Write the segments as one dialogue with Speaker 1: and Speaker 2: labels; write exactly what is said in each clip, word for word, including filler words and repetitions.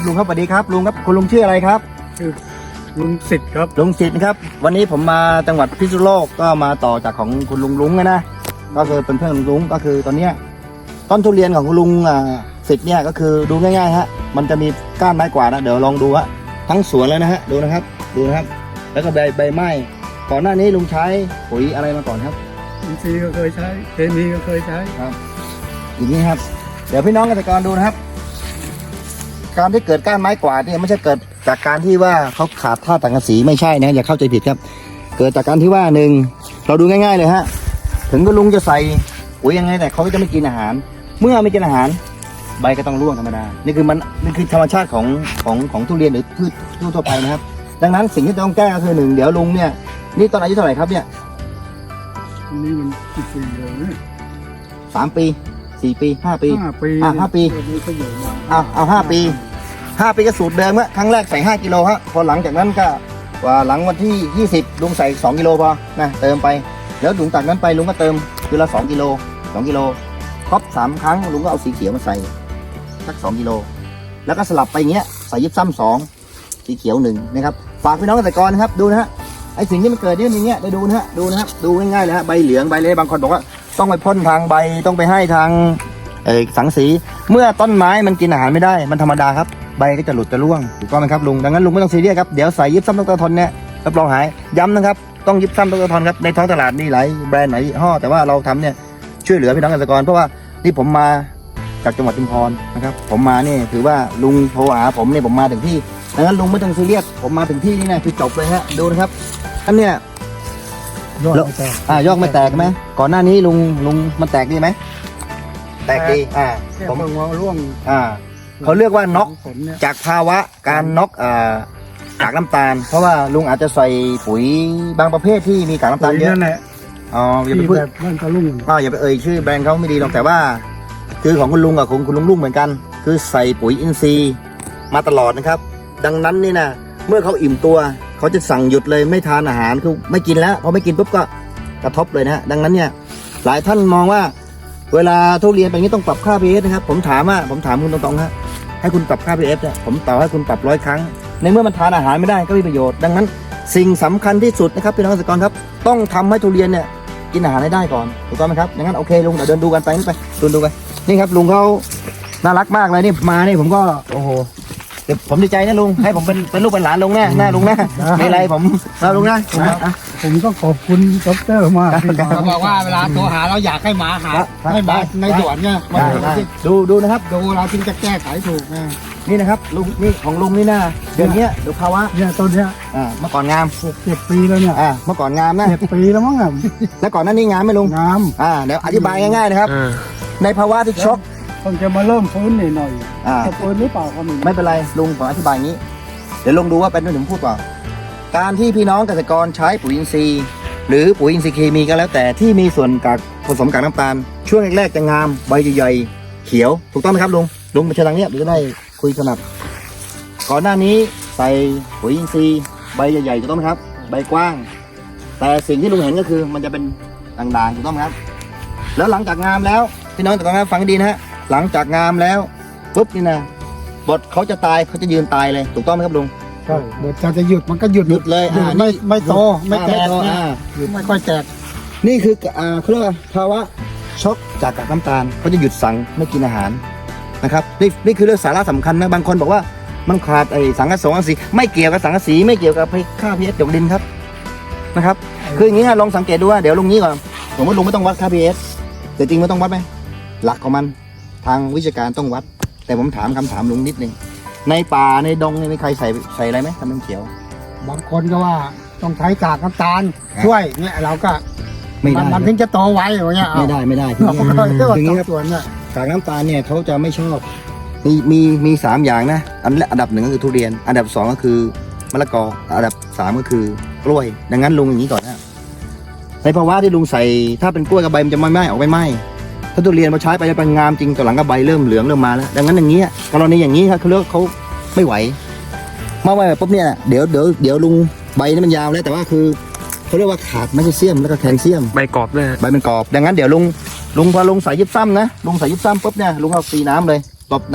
Speaker 1: ลุงครับสวัสดีครับลุงครับคุณลุงชื่ออะไรครับ
Speaker 2: ชื่อลุงสิทธิ์ครับ
Speaker 1: ลุงสิทธิ์นะครับวันนี้ผมมาจังหวัดพิษณุโลกก็มาต่อจากของคุณลุงลุงนะก็คือเป็นเพื่อนลุงลุงก็คือตอนเนี้ยต้นทุเรียนของคุณลุงอ่าสิทธิ์เนี่ยก็คือดูง่ายๆฮะมันจะมีก้านไม้กวาดนะเดี๋ยวลองดูฮะทั้งสวนแล้วนะฮะดูนะครับดูนะครับแล้วก็ใบใบไม้ก่อนหน้านี้ลุงใช้ปุ๋ยอะไรมาก่อนครับ
Speaker 2: อินทรีย์ก็เคยใช้เคมีก็เคยใช้
Speaker 1: ครับอย่างนี้ครับเดี๋ยวพี่น้องเกษตรกรดูนะครับการที่เกิดก้านไม้กวาดเนี่ยไม่ใช่เกิดจากการที่ว่าเขาขาดธาตุสังกะสีไม่ใช่นะอย่าเข้าใจผิดครับเกิดจากการที่ว่าหนึ่งเราดูง่ายๆเลยฮะถึงคุณลุงจะใส่ปุ๋ยยังไงแต่เขาก็จะไม่กินอาหารเมื่อไม่กินอาหารใบก็ต้องร่วงธรรมดานี่คือมันนี่คือธรรมชาติของของของทุเรียนหรือพืชทั่วไปนะครับดังนั้นสิ่งที่ต้องแก้ก็คือหนึ่งเดี๋ยวลุงเนี่ยนี่ตอนอายุเท่าไหร่ครับเนี่ย
Speaker 2: นี่มันกี่ปีแล้วเนี่ย
Speaker 1: สามปีสี่ปีห้าปี
Speaker 2: ห้าปี
Speaker 1: อ่าห้าปีเอาเอาห้าปีห้าปีก็สูตรเดิมอะครั้งแรกใส่ห้ากิโลฮะพอหลังจากนั้นก็ว่าหลังวันที่ยี่สิบลุงใส่สองกิโลพอนะเติมไปแล้วลุงจากนั้นไปลุงก็เติมคือละสองกิโลสองกิโลครบสามครั้งลุงก็เอาสีเขียวมาใส่สักสองกิโลแล้วก็สลับไปอย่างเงี้ยใส่ยิบซ้ำสองสีเขียวหนึ่งนะครับฝากพี่น้องเกษตรกรนะครับดูนะฮะไอสิ่งที่มันเกิดเนี่ยอย่างเงี้ยได้ดูนะฮะดูนะครับดูง่ายๆเลยฮะใบเหลืองใบเละบางคนบอกว่าต้องไปพ่นทางใบต้องไปให้ทางเออสังสีเมื่อต้นไม้มันกินอาหารไม่ได้มันธรรมดาครับใบก็จะหลุดจะร่วงถูกต้องไหมครับลุงดังนั้นลุงไม่ต้องซีเรียสครับเดี๋ยวใส่ยิบซ้ำดร.ทนเนี่ยรับรองหายย้ำนะครับต้องยิบซ้ำดร.ทนครับในท้องตลาดมีหลายแบรนด์หลายยี่ห้อแต่ว่าเราทำเนี่ยช่วยเหลือพี่น้องเกษตรกรเพราะว่านี่ผมมาจากจังหวัดชุมพรนะครับผมมาเนี่ยถือว่าลุงโทรหาผมเนี่ยผมมาถึงที่ดังนั้นลุงไม่ต้องซีเรียสผมมาถึงที่นี่นะคือจบเลยฮะดูนะครับอันเนี้ย
Speaker 2: ยอดไม่แตก
Speaker 1: อ่ายอดไม่แตกไหมก่อนหน้านี้ลุงลุงมันแตกดีไหมแตกดีอ่า
Speaker 2: ผมมองร่วง
Speaker 1: อ่าเขาเรียกว่าน็อกจากภาวะการน็อกอ่าจากน้ำตาลเพราะว่าลุงอาจจะใส่ปุ๋ยบางประเภทที่มีกากน้ำตาลเยอะอ๋ออย่าไปพูด
Speaker 2: นั่นก็ลุ่ง
Speaker 1: อ๋ออย่าไปเอ่ยชื่อแบรนด์เขาไม่ดีหรอกแต่ว่าคือของคุณลุงกับของคุณลุงลุงเหมือนกันคือใส่ปุ๋ยอินทรีย์มาตลอดนะครับดังนั้นนี่นะเมื่อเขาอิ่มตัวเขาจะสั่งหยุดเลยไม่ทานอาหารคือไม่กินแล้วพอไม่กินปุ๊บก็กระทบเลยนะฮะดังนั้นเนี่ยหลายท่านมองว่าเวลาทุเรียนแบบนี้ต้องปรับค่า พี เอช นะครับผมถามว่าผมถามคุณตรงๆฮะให้คุณปรับค่า พี เอช เนี่ยผมต่อให้คุณปรับร้อยครั้งในเมื่อมันทานอาหารไม่ได้ก็ไม่มีประโยชน์ดังนั้นสิ่งสำคัญที่สุดนะครับพี่น้องเกษตรกรครับต้องทำให้ทุเรียนเนี่ยกินอาหารให้ได้ก่อนถูกต้องไหมครับดังนั้นโอเคลุงเดี๋ยวเดินดูกันไปนี่ไปดูดูไปนี่ครับลุงเขาน่ารักมากเลยนี่มานี่ผมก็โอ้โหเดี๋ยวผมดีใจนะลุงให้ผมเป็นเป็นลูกเป็นหลานลุงแน่แน่ลุงแน่ไม่ไรผมเราลุงนะ
Speaker 2: ผมก็ขอบคุณดร.มาก
Speaker 3: เขาบอกว่าเวลาโทรหาเราอยากให้หมาหาให้หมาในสวนเนี่ย
Speaker 1: ดูดูนะครับ
Speaker 3: ดูเราจึงจะแก้ไขถูกนะ
Speaker 1: นี่นะครับลุงนี่ของลุงนี่นะเดือนนี้ดูภาวะ
Speaker 2: เนี่ยต้นเนี้ย
Speaker 1: อ่าเมื่อก่อนงาม
Speaker 2: หกเจ็ดปีแล้วเนี่ย
Speaker 1: อ่าเมื่อก่อนงามนะ
Speaker 2: เจ็ดปีแล้วมั้งอ่ะ
Speaker 1: แล้วก่อนนั้นนี่งามไหมลุง
Speaker 2: งาม
Speaker 1: อ่าเดี๋ยวอธิบายง่ายๆนะครับในภาวะที่ช็อก
Speaker 2: ต้องจะมาเริ่มฟื้นหน่อยหน่อยจะฟื้นหรือเปล่าก็
Speaker 1: ไม่เป็นไรลุงผมอธิบายอย่างนี้เดี๋ยวลองดูว่าเป็นด้วยผมพูดเปล่าการที่พี่น้องเกษตรกรใช้ปุ๋ยอินทรีย์หรือปุ๋ยอินทรีย์เคมีก็แล้วแต่ที่มีส่วนกากผสมกากน้ำตาลช่วงแรกๆจะงามใบใหญ่ๆเขียวถูกต้องไหมครับลุงลุงมาเชิญทางนี้เดี๋ยวจะได้คุยสนับก่อนหน้านี้ใส่ปุ๋ยอินทรีย์ใบใหญ่ๆถูกต้องไหมครับใบกว้างแต่สิ่งที่ลุงเห็นก็คือมันจะเป็นด่างๆถูกต้องไหมครับแล้วหลังจากงามแล้วพี่น้องเกษตรกรฟังดีนะฮะหลังจากงามแล้วปุ๊บนี่นะบทเขาจะตายเขาจะยืนตายเลยถูกต้องไหมครับลุง
Speaker 2: ใช่บทจะจะหยุดมันก็หยุด
Speaker 1: หยุดเลยอ่า
Speaker 2: ไม่ไม่โตไม่แตก
Speaker 1: อ่า
Speaker 2: ไม่ค่อยแตก
Speaker 1: นี่คืออ่าเขาเรียกว่าภาวะช็อกจากกากน้ำตาลเขาจะหยุดสั่งไม่กินอาหารนะครับนี่นี่คือเรื่องสาระสำคัญนะบางคนบอกว่ามันขาดไอ้สังกะสงสังกะสีไม่เกี่ยวกับสังกะสีไม่เกี่ยวกับค่า พี เอช หยดดินครับนะครับคืออย่างนี้ฮะลองสังเกตดูว่าเดี๋ยวลุงนี้ก่อนผมว่าลุงไม่ต้องวัดค่า พี เอช แต่จริงไม่ต้องวัดไหมหลักของมันทางวิชาการต้องวัดแต่ผมถามคำถามลุงนิดนึงในป่าในดงมีใครใส่ใส่อะไรไหมทำเป็นเขียว
Speaker 2: บางคนก็ว่าต้องใช้กากน้ำตาลช่วยเนี่ยเราก็
Speaker 1: ไม่ได้
Speaker 2: มันถึงจะโตไวอย่างเงี้ย
Speaker 1: ไม่ได้ไม่ได้
Speaker 2: ถึงนี้ครับ
Speaker 1: กากน้ำตาลเนี่ยเขาจะไม่ชอบมีมีมีสามอย่างนะอันแรกอันดับหนึ่งก็คือทุเรียนอันดับสองก็คือมะละกออันดับสามก็คือกล้วยดังนั้นลุงอย่างนี้ก่อนนะในภาวะที่ลุงใส่ถ้าเป็นกล้วยกับใบมันจะไม่ไหม้ออกไม่ไหม้ถ้าทุเรียนมาใช้ไปจะเป็นงามจริงต่อหลังก็ใบเริ่มเหลืองเริ่มมาแล้วดังนั้นอย่างนี้กรณีอย่างนี้ครับเขาเรียกเขาไม่ไหวมาไว้ปุ๊บเนี่ยเดี๋ยวเดี๋ยวเดี๋ยวลุงใบนี่มันยาวแล้วแต่ว่าคือเขาเรียกว่าขาดแมกนีเซียมแล้วก็แคลเซียม
Speaker 3: ใบกรอบเลย
Speaker 1: ใบเป็นกรอบดังนั้นเดี๋ยวลุงลุงพอลุงใส่ยิบซ้ำนะลุงใส่ยิบซ้ำปุ๊บเนี่ยลุงเอาตีน้ำเลยตบน้ำเลย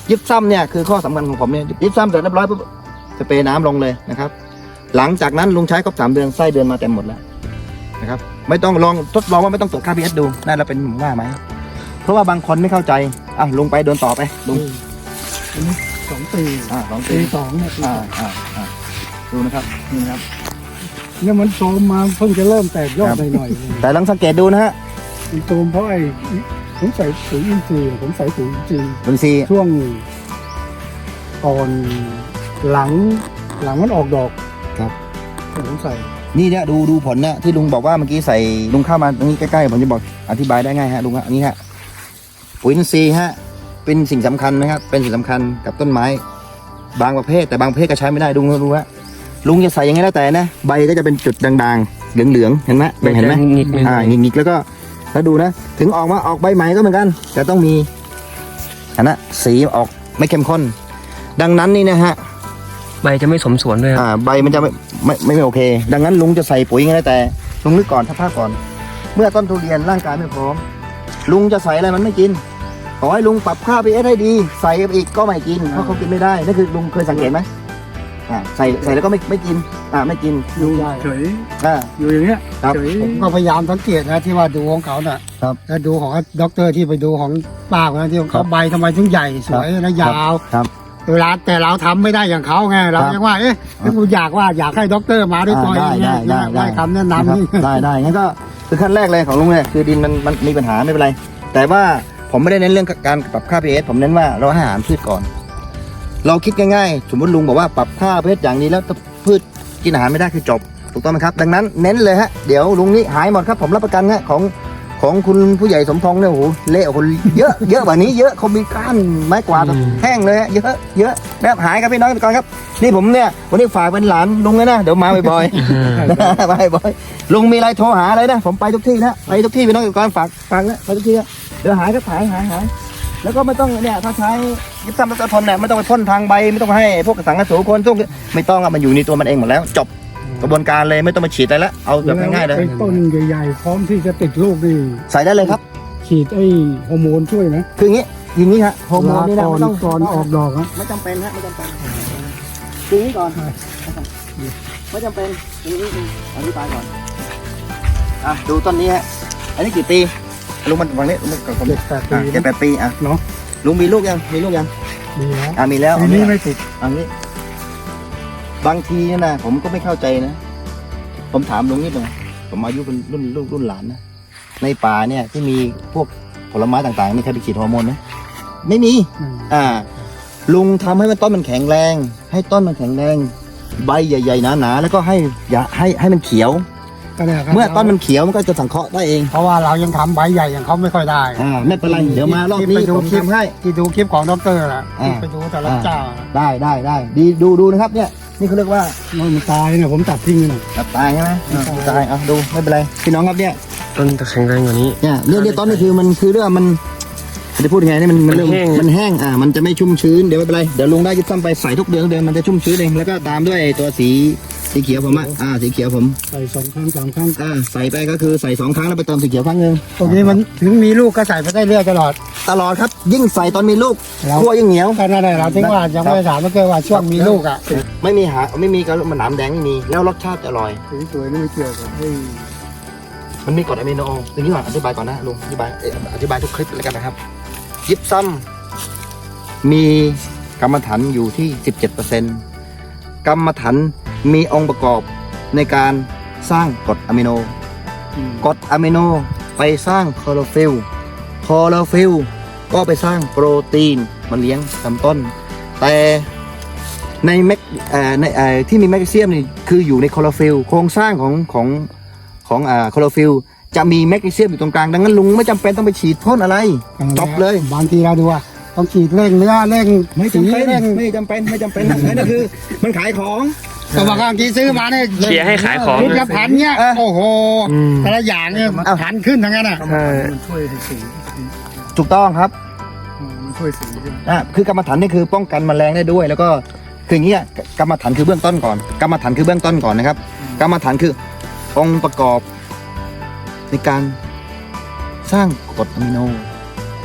Speaker 1: ยิบซ้ำเนี่ยคือข้อสำคัญของผมเนี่ยยิบซ้ำเสร็จเรียบร้อยปุ๊บสเปรย์น้ำลงเลยนะครับ หลังจากนั้นลุงใช้ครบสามเดือนไส้เดือนมาเต็มหมดแล้วนะครับไม่ต้องลองทดลองว่าไม่ต้องตรวจค่า พี เอช ดูน่าจะเป็นผมว่าไหมเพราะว่าบางคนไม่เข้าใจอ่ะลุงไปเดินต่อไปลุง
Speaker 2: อันนี้สองปี
Speaker 1: อ่าสอง
Speaker 2: ปี
Speaker 1: ปี
Speaker 2: สองเนี่ยปีส
Speaker 1: อ่า
Speaker 2: อง
Speaker 1: อ่าอ่าดูนะครับนี่นะครับ
Speaker 2: เนี่ยมันโตมมาเพิ่งจะเริ่มแตกยอดหน่อย
Speaker 1: แต่ลองสังเกตดูนะฮะ
Speaker 2: ๆมันโตมเพราะไอ้ผมใส่ปุ๋ยอินทรีย์ผมใส่ปุ๋ยอินทรีย์
Speaker 1: ลุงซี
Speaker 2: ช่วงก่อนหลังหลังมันออกดอก
Speaker 1: ครับ
Speaker 2: ผมใส่
Speaker 1: นี่เนี่ยดูดูผลเนี่ยที่ลุงบอกว่าเมื่อกี้ใส่ลุงเข้ามาตรงนี้ใกล้ๆผมจะบอกอธิบายได้ง่ายฮะลุงฮะอันนี้ฮะปุ๋ยอินทรีย์ฮะเป็นสิ่งสำคัญนะครับเป็นสิ่งสำคัญกับต้นไม้ บางประเภทแต่บางประเภทก็ใช้ไม่ได้ลุงก็รู้ฮะลุงจะใส่ยังไงแล้วแต่นะใบก็จะเป็นจุดด่างๆเหลืองๆเห็นไหมเห็นไหม
Speaker 3: หงิกๆ
Speaker 1: อ่าหงิกๆแล้วก็แล้วดูนะถึงออกมาออกใบใหม่ก็เหมือนกันแต่ต้องมีอันนะสีออกไม่เข้มข้นดังนั้นนี่นะฮะ
Speaker 3: ใบจะไม่สมส่วนด้วยครับ
Speaker 1: อ่าใบมันจะไม่ไม่ไม่ไม่โอเค ดังนั้นลุงจะใส่ปุ๋ยยังไงแต่ลุงนึกก่อนถ้าภาพก่อน เมื่อต้นทุเรียนร่างกายไม่พร้อมลุงจะใส่อะไรมันไม่กินขอให้ลุงปรับค่า พี เอช ให้ดีใส่ไปอีกก็ไม่กินเพราะเขากินไม่ได้นั่นคือลุงเคยสังเกตไหมอ่าใส่ใส่แล้วก็ไม่ไม่กินอ่าไม่กิน
Speaker 2: อยู่เฉย
Speaker 1: อ่า
Speaker 2: อยู่อย่างเงี้ย
Speaker 1: ครับ
Speaker 2: เฉยผมก็พยายามสังเกตนะที่ว่าดูของเขาน่ะ
Speaker 1: ครับ
Speaker 2: แล้วดูของด็อกเตอร์ที่ไปดูของป้าคนนั้นที่ของ
Speaker 1: ครั
Speaker 2: เขา
Speaker 1: บ
Speaker 2: ใบทำไมถึงใหญ่สวยและยาว
Speaker 1: ครับ
Speaker 2: เวลาแต่เราทำไม่ได้อย่างเขาไงเรา
Speaker 1: ครับ
Speaker 2: ยังว่าเอ๊ะกูอยากว่าอยากให้ด็อกเตอร์มาด้วยตัวเอง
Speaker 1: ได้
Speaker 2: เนี่ย
Speaker 1: ได้ได้
Speaker 2: ได้คำแนะ
Speaker 1: นะครับ
Speaker 2: นำนี่
Speaker 1: ได้ได้งั้นก็คือขั้นแรกเลยของลุงเนี่ยคือดินมันมันมีปัญหาไม่เป็นไร แต่ว่าผมไม่ได้เน้นเรื่องการปรับค่า พี เอช ผมเน้นว่าเราให้อาหารพืชก่อน เราคิดง่ายๆ สมมติลุงบอกว่าปรับค่า พี เอช อย่างนี้แล้วถ้าพืชกินอาหารไม่ได้คือจบถูกต้องไหมครับ ดังนั้นเน้นเลยฮะเดี๋ยวลุงนี่หายหมดครับผมรับประกันฮะของของคุณผู้ใหญ่สมพงษ์เนี่ยโอ้โหเละคนเยอะเยอะกว่านี้เยอะเขามีก้านไม้กวาดแห้งเลยฮะเยอะเยอะแบบหายครับพี่น้องก่อนครับนี่ผมเนี่ยวันนี้ฝากเป็นหลานลุงเลยนะเดี๋ยวมาบ่อยๆ มาบ่อยๆลุงมีอะไรโทรหาอะไรนะผมไปทุกที่นะไปทุกที่พี่น้องก่อนฝากฟังนะไปทุกที่นะเดี๋ยวหายก็หายหายหายแล้วก็ไม่ต้องเนี่ยถ้าใช้ยิบซ้ำแล้วก็ทนเนี่ยไม่ต้องไปพ่นทางใบไม่ต้องให้พวกสังกะสูคนทุกไม่ต้องอะมันอยู่ในตัวมันเองหมดแล้วจบกระบวนการเลยไม่ต้องมาฉีดอะไรละเอาแบบง่ายๆเลย
Speaker 2: ไอ้ต้นใหญ่ๆพร้อมที่จะติดลูกนี่
Speaker 1: ใส่ได้เลยครับ
Speaker 2: ฉีดไอ้ฮอร์โมนช่วยไหม
Speaker 1: คืออย่างนี้อย่างนี้ฮะฮอร์โมนนี่นะ
Speaker 2: ก่อน
Speaker 1: ไม่ต้อง
Speaker 2: ก่อนออกดอกนะ
Speaker 1: ไม่จำเป็นฮะไม่จำเป็นคืออย่างนี้ก่อนไม่จำเป็นอย่างนี้อธิบายก่อนอ่ะดูต้นนี้ฮะอันนี้กี่ปีลุงมันฝั่งนี้ลุงกับผม
Speaker 2: เจ็ดแปดปี
Speaker 1: อ่ะเจ็ดแปดปีอ่ะ
Speaker 2: เนาะ
Speaker 1: ลุงมีลูกยังมีลูกยัง
Speaker 2: ดีแล้ว
Speaker 1: อ่ะมีแล้ว
Speaker 2: ปีนี้ไม่ติด
Speaker 1: อันนี้บางทีเนี่ยนะผมก็ไม่เข้าใจนะ ผมถามลุงนิดหนึงผมอายุเป็นรุ่นลูกรุ่นหลานนะในป่าเนี่ยที่มีพวกผลไม้ต่างๆมีใครไปฉีดฮอร์โมนไหมไม่มี
Speaker 2: อืม
Speaker 1: อ่า ลุงทำให้มันต้นมันแข็งแรง ให้ต้นมันแข็งแรง ใบใหญ่ๆหนาๆแล้วก็ให้อย่าให้ให้มันเขียว
Speaker 2: ก็เนี่ยครับ
Speaker 1: เมื่อต้นมันเขียวมันก็จะสังเคราะห์ได้เอง
Speaker 2: เพราะว่าเรายังทำใบใหญ่อย่างเขาไม่ค่อยได้
Speaker 1: อ่าไม่เป็นไรเดี๋ยวมารอบนี้
Speaker 2: ไปดู
Speaker 1: ผม
Speaker 2: คลิป
Speaker 1: ทำให้
Speaker 2: ที่ดูคลิปของด็อกเตอร์น่ะ
Speaker 1: อ่า
Speaker 2: ที่ไปดูแต่ละเจ้าน่ะ
Speaker 1: ได้ได้ได้ดีดูดูนะครับเนี่ยนี่เขาเรียกว่า
Speaker 2: มันตายเนี่ยผมตัดทิ้งเลยนะ
Speaker 1: ตับตายใช่ไหมอ่าตายอ่ะดูไม่เป็นไรพี่น้องครับเนี่ย
Speaker 3: ต้นจะแข็งแรงกว่านี้
Speaker 1: เนี่ยเรื่องเรื่องต้นนี่คือมันคือเรื่องมันจะพูดยังไงนี่มันมันเริ่ม
Speaker 3: มันแห้ง
Speaker 1: มันแห้งอ่ามันจะไม่ชุ่มชื้นเดี๋ยวไม่เป็นไรเดี๋ยวลุงได้ยิบซ้ำไปใส่ทุกเดือนทุกเดือนมันจะชุ่มชื้นเองแล้วก็ตามด้วยตัวสีสีเขียวผมอ่ะอ่าสีเขียวผม
Speaker 2: ใส่สองครั้งสามครั้ง
Speaker 1: อ่าใส่ไปก็คือใส่สองครั้งแล้วไปเติมสีเขียวครั้งหนึ่ง
Speaker 2: ตรงนี้มันถึงมีลูกก็ใส่ไปได้เรื่อยตลอด
Speaker 1: ตลอดครับยิ่งใส่ตอนมีลูก
Speaker 2: แล้ว
Speaker 1: ขั้วยิ่งเหนียว
Speaker 2: ก็นั่นแหละเราถึงว่ายังไม่ได้ถามเมื่อกี้ว่าช่วงมีลูกอ่ะ
Speaker 1: ไม่มีหาไม่มีกระมันหนามแดงไม่มีแล้วรสชาติจะอร่อย
Speaker 2: สวยๆนี่ไม่เกี่ยวกับไอ้
Speaker 1: มันมีกรดอะมิโนอย่างนี้ก่อนอธิบายก่อนนะลุงอธิบายเอ่ออธิบายทุกคลิปเลยกันนะครับ ยิบซ้ำมีกรรมฐานอยู่ที่ สิบเจ็ดเปอร์เซ็นต์ กรรมฐานมีองค์ประกอบในการสร้างกรดอะมิโน กรดอะมิโนไปสร้างคลอโรฟิลล์คลอโรฟิลล์ก็ไปสร้างโปรตีนมาเลี้ยงลำต้น แต่ในแมกเอ่อในเอ่อที่มีแมกนีเซียมนี่คืออยู่ในคลอโรฟิลล์โครงสร้างของของของอ่าคลอโรฟิลล์จะมีแมกนีเซียมอยู่ตรงกลางดังนั้นลุงไม่จำเป็นต้องไปฉีดพ่นอะไรจบเลย
Speaker 2: บางทีเราดูว่าต้องฉีดเร่งเนื้อเร่ง
Speaker 1: ไม่
Speaker 2: สี
Speaker 1: จำเป็น
Speaker 2: เร่ง
Speaker 1: ไม่จำเป็นไม่จำเป็นนั่นคือมันขายของ
Speaker 2: ก็บอกว่าบางทีซื้อมาเนี่ย
Speaker 3: เชียร์ให้ขายของ
Speaker 2: ชุดละพันเนี่ย
Speaker 1: เออ
Speaker 2: โอ้โห
Speaker 3: อืม
Speaker 2: แต่ละอย่างเนี่ย
Speaker 1: เอา
Speaker 2: พันขึ้นทั้งนั้นอ่ะ
Speaker 3: ใช่
Speaker 2: มันช่วยสี
Speaker 1: ถูกต้องครับ
Speaker 2: มันช่วยสี
Speaker 1: อ่ะคือกรรมฐานนี่คือป้องกันแมลงได้ด้วย แล้วก็คืออย่างเงี้ยกรรมฐานคือเบื้องต้นก่อน กรรมฐานคือเบื้องต้นก่อนนะครับ กรรมฐานคือองค์ประกอบในการสร้างกรดอะมิโน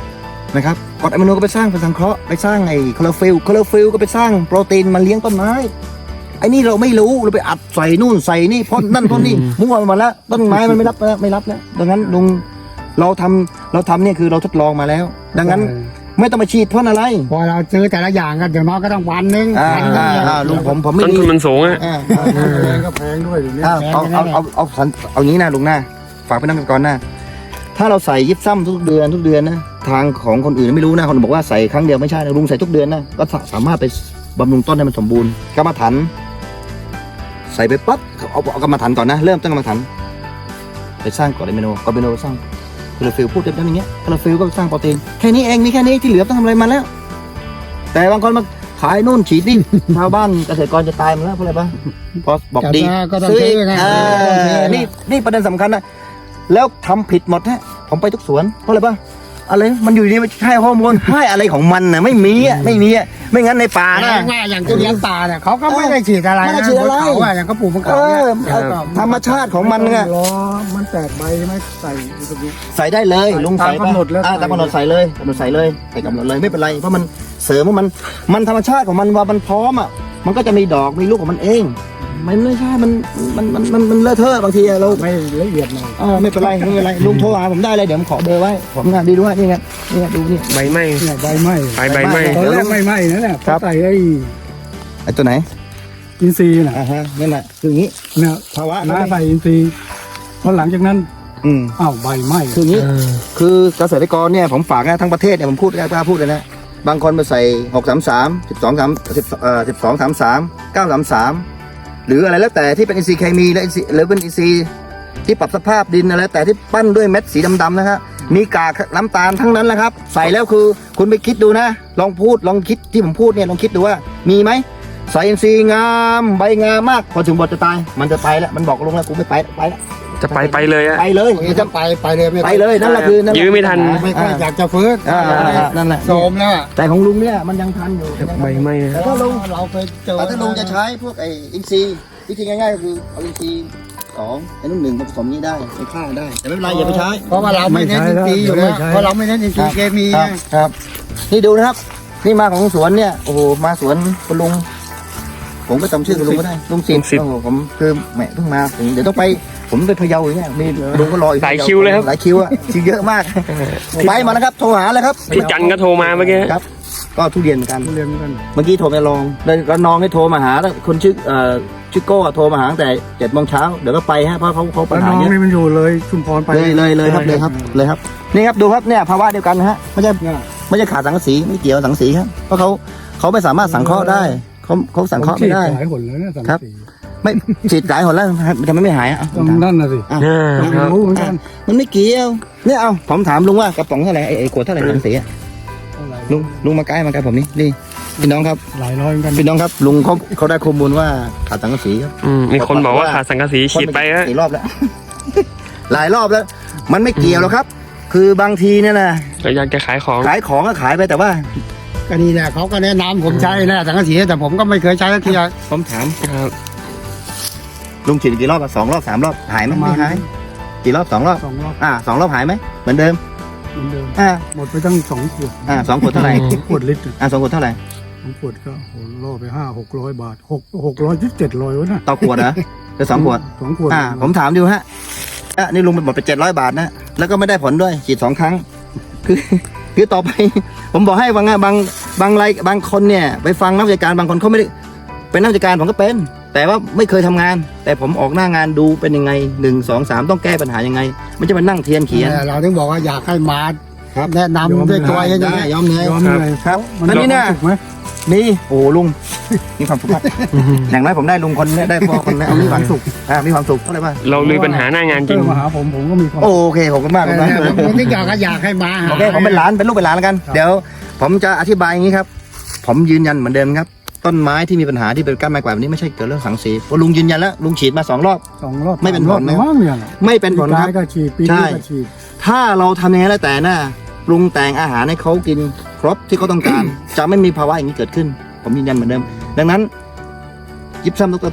Speaker 1: นะครับกรดอะมิโนก็ไปสร้างเป็นสังเคราะห์ไปสร้างไอ้คลอโรฟิลล์คลอโรฟิลล์ก็ไปสร้างโปรตีนมาเลี้ยงต้นไม้ไอ้นี่เราไม่รู้เราไปอัดใส่นู่นใส่นี่พ่นนั่นพ่นนี่มั่วไปหมดแล้วต้นไม้มันไม่รับแล้วไม่รับแล้วดังนั้นลุงเราทำเราทำเนี่ยคือเราทดลองมาแล้ว ดังนั้นไม่ต้องมาฉีดพ่นอะไร
Speaker 2: พอเราซื้อแต่ละอย่างกันอย่างน้อยก็ต้องวันหนึง
Speaker 1: อ่า
Speaker 2: วันหนึ
Speaker 1: อ่าง อ่าลุงผมผมไม่
Speaker 4: ต้น
Speaker 1: มี
Speaker 4: ทุนมันสูงอะ
Speaker 1: อ่า
Speaker 2: แพงก็แพงด้วยอยู่นี่
Speaker 1: อ่าเอาเอาเอาเอาเอาเอางี้นะลุงนะฝากไปนั่งกันก่อนนะถ้าเราใส่ยิบซ้ำทุกเดือนทุกเดือนนะทางของคนอื่นไม่รู้นะคนบอกว่าใส่ครั้งเดียวไม่ใช่นะลุงใส่ทุกเดือนนะก็สามารถไปบำรุงต้นให้มันสมบูรณ์กรรมฐานใส่ไปปั๊บเอาเอากรรมฐานก่อนนะเริ่มตั้งกรรมฐานไปสร้างกรดอะมิโนกรดอะมิโนสร้างคลอโรฟิลล์พูดเต็มๆอย่างเงี้ยคลอโรฟิลล์ก็สร้างโปรตีนแค่นี้เองมีแค่นี้ที่เหลือต้องทำอะไรมาแล้ว แต่บางคนมาขายนู่นฉีดนี่ ชาวบ้านเกษตรกรจะตายหมดแล้วเพราะอะไรปะพอบอกดี
Speaker 2: ก็ต้อง
Speaker 1: ซื้อ
Speaker 2: ซื้
Speaker 1: อี
Speaker 2: อก ไง
Speaker 1: เออนี่นี่ประเด็นสำคัญนะแล้วทำผิดหมดฮะผมไปทุกสวนเพราะอะไรปะอะไรมันอยู่ดีมันให้ฮอร์โมนให้อะไรของมันน่ะไม่มีอ่ะไม่มีอ่ะไม่งั้นในป่า
Speaker 2: แปล
Speaker 1: นะ
Speaker 2: ว่าอย่างทุเรียนป่าเนี่ยเขาก็ไม่ได้ฉีดอะไร
Speaker 1: ไม่ได้
Speaker 2: นะ
Speaker 1: ฉีดอะไร
Speaker 2: เขาอะอย่างเขาปลูกมะ
Speaker 1: เอ
Speaker 2: ขามเนี่ย
Speaker 1: อเอาธรรมชาติของมันเนี่ย
Speaker 2: ล้อมันแตกใบไหม่ใส่ตรงนี้
Speaker 1: ใส่ได้เลยลุงใส่
Speaker 2: ตามกำหนดแล้ว
Speaker 1: อ่าตามกำหนดใส่เลยกำหนดใส่เลยใส่กำหนดเลยไม่เป็นไรเพราะมันเสริมว่ามันมันธรรมชาติของมันว่ามันพร้อมอ่ะมันก็จะมีดอกมีลูกของมันเองมันไม่ใช่มันมันมันมันมันเลอะเทอะบางทีเรา
Speaker 2: ไม่ละเอียดหน่อย
Speaker 1: อ่าไม่เป็นไรไม่เป็นไรลุงโทรหาผมได้เลยเดี๋ยวผมขอเบอร์ไว้ผมงานดีด้วยนี่ไงนี่ไงดูนี่
Speaker 4: ใบไหม้
Speaker 2: เนี่ยใบไหม้
Speaker 4: ใบใบไหม้
Speaker 2: ตอนแรกไม่ไหม้นะเนี่ย
Speaker 1: ครับ
Speaker 2: เขาใส่ไอ้
Speaker 1: ไอ้ตัวไหน
Speaker 2: อินทรีย์น่ะ
Speaker 1: อ่าฮะนั่นแหละคืออย่างนี้
Speaker 2: เนี่ย
Speaker 1: ภาวะ
Speaker 2: น้าใส่อินทรีย์พอหลังจากนั้น
Speaker 1: อืม
Speaker 2: อ้าวใบไหม้
Speaker 1: คืออย่างนี้คือเกษตรกรเนี่ยผมฝากนะทั้งประเทศเนี่ยผมพูดกล้าพูดเลยนะบางคนมาใส่หกสามสามสิบสองสามสิบเอ่อสิบสองสามสามเก้าสามสามหรืออะไรแล้วแต่ที่เป็นอินทรีย์เคมีและอินทรีย์หรือเป็นอินทรีย์ที่ปรับสภาพดินอะไรแต่ที่ปั้นด้วยเม็ดสีดำๆนะครับมีกากน้ำตาลทั้งนั้นแหละครับ ใส่แล้วคือคุณไปคิดดูนะ ลองพูดลองคิดที่ผมพูดเนี่ยลองคิดดูว่ามีไหมใส่อินทรีย์งามใบงามมากพอถึงบทจะตายมันจะไปแล้วมันบอกลงแล้วกูไม่ไปไปแล้ว
Speaker 4: จะไปไปเลยอะ
Speaker 1: ไปเลย
Speaker 2: จะไปไปเลยไม่
Speaker 1: ไปเลยนั่นแหละคือนั่นแหละ
Speaker 4: ยื้อไม่ทัน
Speaker 2: ไม่ค่อยอยากจะฟื้น
Speaker 1: อ่าอ่านั่นแหละ
Speaker 2: โสมแล้วอะ
Speaker 1: แต่ของลุงเนี่ยมันยังทันอยู่
Speaker 4: ใบไหม้
Speaker 1: แต่ถ้าลุง
Speaker 2: เราไปเจอ
Speaker 1: แต่ถ้าลุงจะใช้พวกไอ้อินทรีย์วิธีง่ายๆก็คือเอาอินทรีย์สองไอ้นุ่นหนึ่งมาผสมนี้ได้ไปฆ่าได้แต่ไม่เป็นไรอย่าไปใช้
Speaker 2: เพราะว่าเราไม่เน้นอินทรีย์อยู่แล้วเพราะเราไม่เน้นอินทรีย์เคมี
Speaker 1: ครับ
Speaker 2: ไง
Speaker 1: ครับ นี่ดูนะครับ นี่มาของสวนเนี่ยโอ้โหมาสวนคุณลุง ผมก็จำชื่อคุณลุงก็ได้ลุงสิบโอ้โหผมคือแหมเพิ่งมาผมเดี๋ยวต้องไป ผมไปพะเยาอย่างเงี้ยมีลุงก็รออีก
Speaker 4: หลายคิวเลยครับ
Speaker 1: หลายคิวอะคิวเยอะมากไปมานะครับโทรหาเลยครับ
Speaker 4: พี่จันก็โทรมาเมื่อกี้
Speaker 1: ครับ ก็ทุเรียนเหมือนกัน
Speaker 2: ทุเรียนเหมือนกัน
Speaker 1: เมื่อกี้โทรไปลองแล้วแล้วน้องให้โทรมาหาแล้วคนชื่อเอ่อชื่อโก้อะโทรมาหาตั้งแต่เจ็ดโมงเช้าเดี๋ยวก็ไปฮะเพราะเขาเขาปัญ
Speaker 2: แล้ว
Speaker 1: หา
Speaker 2: น้อง
Speaker 1: เยอะ
Speaker 2: นี่มันอยู่เลยชุมพรไป
Speaker 1: เลยเลยเลยครับเลยครับเลยครับนี่ครับดูครับเนี่ยภาวะเดียวกันนะฮะไม่ใช่
Speaker 2: เนี่ย
Speaker 1: ไม่ใช่ขาดสังกะสีไม่เกี่ยวสังกะสีครับเพราะเขาเขาไม่สามารถสังเคราะห์ได้เขาเขาสังเคราะห์ไม่ได้
Speaker 2: ผมฉีหลายหนแล้วเนี่ยสัง
Speaker 1: ครับ
Speaker 2: สี
Speaker 1: ไม่ฉีดหลายหนแล้วทำไมไม่หายอ่ะ
Speaker 2: ต้องนั่นน่ะสิ
Speaker 4: อ่า
Speaker 2: ต้อง
Speaker 4: ครับ
Speaker 2: รู้เหมือนกัน
Speaker 1: มันไม่เกี่ยวเนี่ยเอาผมถามลุงว่ากระป๋องเท่าไหร่ไอ้ไอ้ขวดเท่าไหร่สังกะสีอะ
Speaker 2: เท่าไหร่
Speaker 1: ลุงลุงมาใกล้มาใกล้ผมนี่นี่พี่น้องครับ
Speaker 2: หลายร้อยเหมือนกัน
Speaker 1: พี่น้องครับลุงเขาเขาได้ข้อมูลว่าขาดสังกะสีครับ
Speaker 4: อืมมีคนบอกว่าขาดสังกะสีฉีดไปฮะ
Speaker 1: สี่รอบแล้ว หลายรอบแล้ว มันไม่เกี่ยวหรอกครับ คือบางทีเนี่ยนะ
Speaker 4: ก็อยากจะขายของ
Speaker 1: ขายของก็ขายไปแต่ว่า
Speaker 2: ก็นี่แหละเขาก็แนะนำผมใช้แหละสังกะสีแต่ผมก็ไม่เคยใช้สักทีอะ
Speaker 1: ผมถาม
Speaker 4: ครับ
Speaker 1: ลุงฉีดกี่รอบอะสองรอบสามรอบหายไหม
Speaker 2: ประมา
Speaker 1: ไม่
Speaker 2: ณ
Speaker 1: หายกี่รอบสองรอบ
Speaker 2: สองรอบ
Speaker 1: อ่าสองรอบหายไหมเหมือนเดิม
Speaker 2: เหมือนเดิม
Speaker 1: อ่า
Speaker 2: หมดไปตั้งสองขวด
Speaker 1: อ่าสองขวดเท่าไหร่
Speaker 2: สองขวดลิตร
Speaker 1: อ่าสองขวดเท่าไหร่
Speaker 2: สองขวดก็โหล่อไปห้าหกร้อยบาทหกหกร้อยยี่สิบเจ็ดร้อยวะน่ะ
Speaker 1: ต่อขวดเหรอหรือสองขวด
Speaker 2: สองขวด
Speaker 1: อ่า ผมถามดูฮะอ่ะนี่ลุงหมดไปเจ็ดร้อยบาทนะแล้วก็ไม่ได้ผลด้วยฉีดสองครั้ง คือ คือต่อไป ผมบอกให้บางบางบางรายบางคนเนี่ย ไปฟังนักวิชาการบางคนเขาไม่ได้เป็นนักวิชาการผมก็เป็น แต่ว่าไม่เคยทำงาน แต่ผมออกหน้างานดูเป็นยังไงหนึ่งสองสามต้องแก้ปัญหายังไงไม่จะมานั่งเทียนเขียน
Speaker 2: แต่เราถึงบอกว่าอยากให้มา
Speaker 1: ครับ
Speaker 2: แนะนำด้วยตัวเองอย่าง
Speaker 1: ได้
Speaker 2: นี้
Speaker 1: ยอมเลย
Speaker 2: ยอมเลย
Speaker 1: ครับ
Speaker 2: มัน
Speaker 1: แล้วนี่นะ
Speaker 2: ถูกไหม
Speaker 1: นี่โอ้โหลุง มีความสุขมากอย่างน้อยผมได้ลุงคนเนี้ได้พ่อคนนี้มีความสุขอ่ามีความสุขเท่าไหร่บ้าง
Speaker 4: เราลุยปัญหาหน้างานจ
Speaker 2: เจ
Speaker 4: ริง
Speaker 2: อมาหาผมผมก็มีความ
Speaker 1: โอเคขอบคุณมาก
Speaker 2: แต่
Speaker 1: คุณนะ
Speaker 2: เนี่ยผมผมถึงอยากก็อยากให้มาหา
Speaker 1: โอเคผมเป็นหลานเป็นลูกเป็นหลานแล้วกัน
Speaker 2: ครับ
Speaker 1: เดี๋ยวผมจะอธิบายอย่างนี้ครับ ผมยืนยันเหมือนเดิมครับ ต้นไม้ที่มีปัญหาที่เป็นก้านไม้กวาดแบบนี้ไม่ใช่เกิดเรื่องสังสีเพราะลุงยืนยันแล้วลุงฉีดมาสองรอบ
Speaker 2: สองรอบ
Speaker 1: ไม่เป็นผล
Speaker 2: สามรอบมั้งเนี่ย
Speaker 1: ไม่เป็นผล
Speaker 2: ปี
Speaker 1: ค
Speaker 2: กา
Speaker 1: รับ
Speaker 2: ยก็ฉีดปี
Speaker 1: ใช่
Speaker 2: นี้ก็ฉีด
Speaker 1: ถ้าเราทำอย่างนี้แล้วแต่น่ะปรุงแต่งอาหารให้เขากินครบที่เขาต้องการ จะไม่มีภาวะอย่างนี้เกิดขึ้น ผมยืนยันเหมือนเดิม ดังนั้นยิบซ้ำดรทน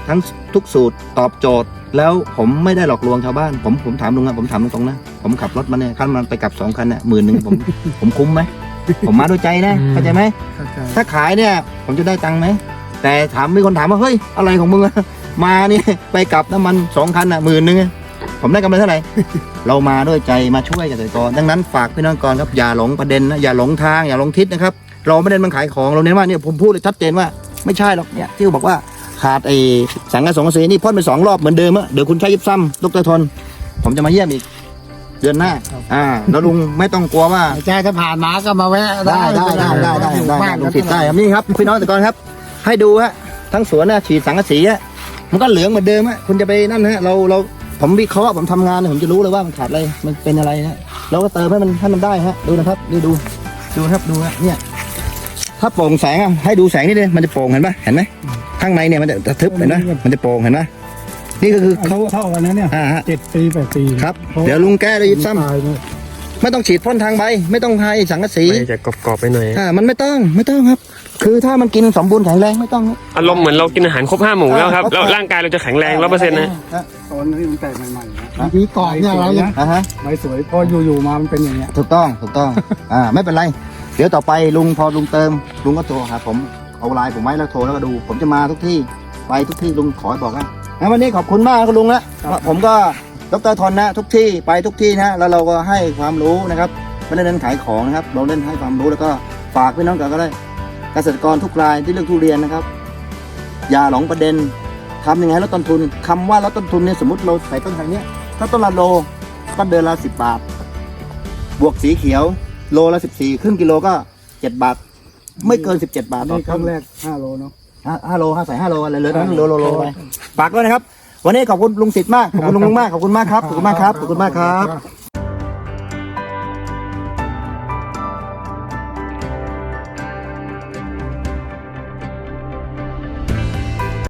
Speaker 1: ทั้งทุกสูตรตอบโจทย์ แล้วผมไม่ได้หลอกลวงชาวบ้าน ผมผมถามลุงนะผมถามตรงๆนะผมขับรถมาเนี่ยคันมันไปกลับสองคันเนี่ยหมื่นหนึ่งผม ผมคุ้มไหมผมมาด้วยใจนะเข้าใจไหม
Speaker 2: เข้าใจ
Speaker 1: ถ้าขายเนี่ยผมจะได้ตังค์ไหมแต่ถามมีคนถามว่าเฮ้ยอะไรของมึงอะมาเนี่ยไปกลับน้ำมันสองคันอ่ะหมื่นหนึ่งผมได้กำไรเท่าไหร่ เรามาด้วยใจมาช่วยเกษตรกรดังนั้นฝากพี่น้องก่อนครับอย่าหลงประเด็นนะอย่าหลงทางอย่าหลงทิศนะครับเราไม่ได้มันขายของเราเน้นว่าเนี่ยผมพูดเลยชัดเจนว่าไม่ใช่หรอกเนี่ยที่บอกว่าขาดไอ้สังกะสงกะสีนี่พ่นไปสองรอบเหมือนเดิมอะเดี๋ยวคุณใช้ยิบซ้ำดรทนผมจะมาเยี่ยมอีกเดือนหน้าอ่าแล้วลุงไม่ต้องกลัวว่า
Speaker 2: ใช่ถ้าผ่านมาก็มาแวะ
Speaker 1: ได้ได้ได้ได้ได้
Speaker 2: อยู่
Speaker 1: ได้
Speaker 2: บ้าน
Speaker 1: ลุงติดได้ครับนี่ครับพี่น้องแต่ก่อนครับ ให้ดูฮะทั้งสวนนะฉีดสังกะสีฮะมันก็เหลืองเหมือนเดิมฮะคุณจะไปนั่นฮะเราเราผมวิเคราะห์ผมทำงานเนี่ยผมจะรู้เลยว่ามันขาดอะไรมันเป็นอะไรฮะเราก็เติมให้มันให้มันได้ฮะดูนะครับนี่ดูดูครับดูฮะเนี่ยถ้าโปร่งแสงอ่ะให้ดูแสงนี่เลยมันจะโปร่งเห็นปะเห็นไหมข้างในเนี่ยมันจะทึบเห็นไหมมันจะโปร่งเห็นไหมนี่ก็คือ
Speaker 2: เขา
Speaker 1: เขา
Speaker 2: เท่ากันนะเนี่ย
Speaker 1: อ่าฮะ
Speaker 2: เจ็ดปีแปดปี
Speaker 1: ครับเดี๋ยวลุงแก้เลยยิบซ้ำ
Speaker 2: ตายเนี่ย
Speaker 1: ไม่ต้องฉีดพ่นทางใบไม่ต้องให้สังกะสี
Speaker 4: ไม่จะกรอบๆไปหน่อย
Speaker 1: อ่ามันไม่ต้องไม่ต้องครับ คือถ้ามันกินสมบูรณ์แข็งแรงไม่ต้องครับ
Speaker 4: อารมณ์เหมือนเรากินอาหารครบห้าหมู่แล้วครับ แล้วร่างกายเราจะแข็งแรงร้อยเปอร์เซ็นต์นะ
Speaker 2: ตอนนี้มันแตกใหม่ๆนะบางทีก่อนเนี่ยเรายัง
Speaker 1: อ่าฮะ
Speaker 2: ใบสวยพออยู่ๆมามันเป็นอย่างเงี้ย
Speaker 1: ถูกต้องถูกต้อง อ่าไม่เป็นไร เดี๋ยวต่อไปลุงพอลุงเติมลุงก็โทรหาผมเอาไลน์ผมไว้แล้วโทรแล้วก็ดู ผมจะมาทุกที่ไปทุกที่ลุงขอให้บอกนะงั้นวันนี้ขอบคุณมากครับลุงนะผมก็ดรทนนะทุกที่ไปทุกที่นะแล้วเราก็ให้ความรู้นะครับไม่ได้เน้นขายของนะครับเราเน้นให้ความรู้แล้วก็ฝากพี่น้องกันก็ได้เกษตรกรทุกรายที่เรื่องทุเรียนนะครับ อย่าหลงประเด็นทำยังไงให้ลดต้นทุนคำว่าลดต้นทุนเนี่ยสมมติเราใส่ต้นทางเนี้ยถ้าต้นละโลก็เดือนละสิบบาท บวกสีเขียวโลละสิบสี่ครึ่งกิโลก็เจ็ดบาท ไม่เกินสิบเจ็ดบาทต่อ
Speaker 2: นี่ค
Speaker 1: ต้
Speaker 2: รั้
Speaker 1: น
Speaker 2: งแรกห้าโลเนาะ
Speaker 1: ห้าห้าโลห้าใส่ห้าโลอะไรเหลยนั้นโลโลโลไปฝากด้วยนะครับ วันนี้ขอบคุณลุงสิทธิ์มากขอบคุณลุงมากขอบคุณมากครับขอบคุณมากครับขอบคุณมากครับ